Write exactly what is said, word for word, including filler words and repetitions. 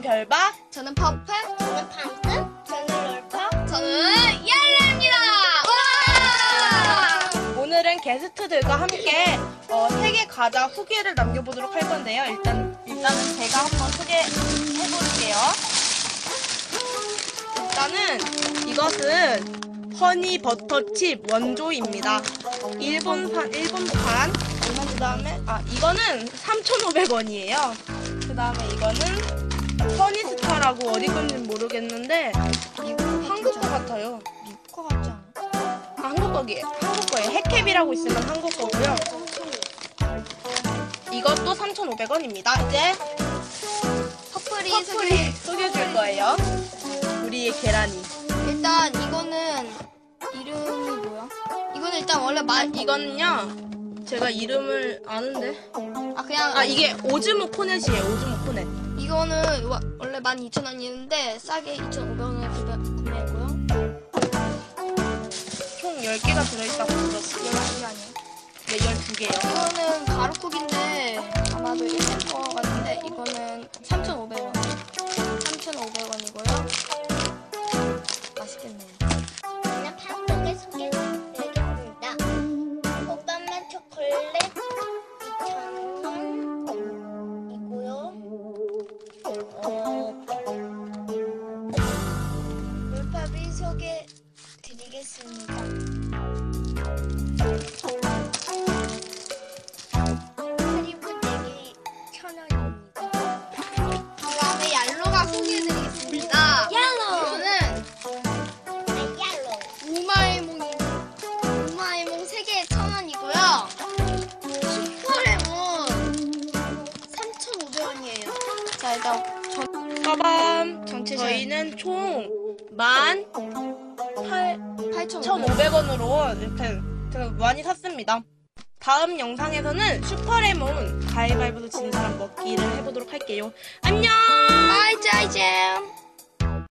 별박. 저는 퍼플. 저는 방금. 저는 롤파. 저는 얄레입니다. 와! 오늘은 게스트들과 함께 어, 세계 과자 후기를 남겨보도록 할 건데요. 일단, 일단은 제가 한번 소개해볼게요. 일단은 이것은 허니 버터칩 원조입니다. 일본판, 일본판. 그 다음에, 아, 이거는 삼천오백 원이에요. 그 다음에 이거는 허니스타라고 어디 건지 모르겠는데, 이거 한국 거 같아요. 미국 거 같지 않아? 아, 한국 거기에요. 한국 거예요. 해캡이라고 있으면 한국 거고요. 이것도 삼천오백 원입니다. 이제 퍼플이 퍼플이 소개. 속여줄 거예요. 우리의 계란이. 일단 이거는 이름이 뭐야? 이거는 일단 원래 마 이거는요, 제가 이름을 아는데. 아 그냥 아, 이게 오즈모 코넷이에요. 오즈모 코넷. 이거는 와- 원래 만 이천 원이었는데 싸게 이천오백 원에 구매했고요. 총 열 개가 들어있다고 들었어요. 열한 개 아니에요? 네, 열두 개요. 이거는 가루쿡인데 아마도 일본 거 같은데 이거는 삼천오백 원. 삼천오백 원이고요. 맛있겠네요. 저는 팥떡을 소개해드리겠습니다. 오빠만 초콜릿 이천 원이고요. 어, 물팝이 소개드리겠습니다. 하리보 네개 천 원입니다. 그 다음에 얄로가 소개해드리겠습니다. 얄로! 이거는 얄로. 우마이몽이 우마이몽 세 개에 천 원이고요. 슈퍼레몬 삼천오백 원이에요. 자 일단 전 빠밤. 전체 저희는 총 만 팔천오백 원. 팔천오백 원으로 이렇게 되게 많이 샀습니다. 다음 영상에서는 슈퍼레몬 가위바위보도 진 사람 먹기를 해보도록 할게요. 안녕! 바이 짜이잼.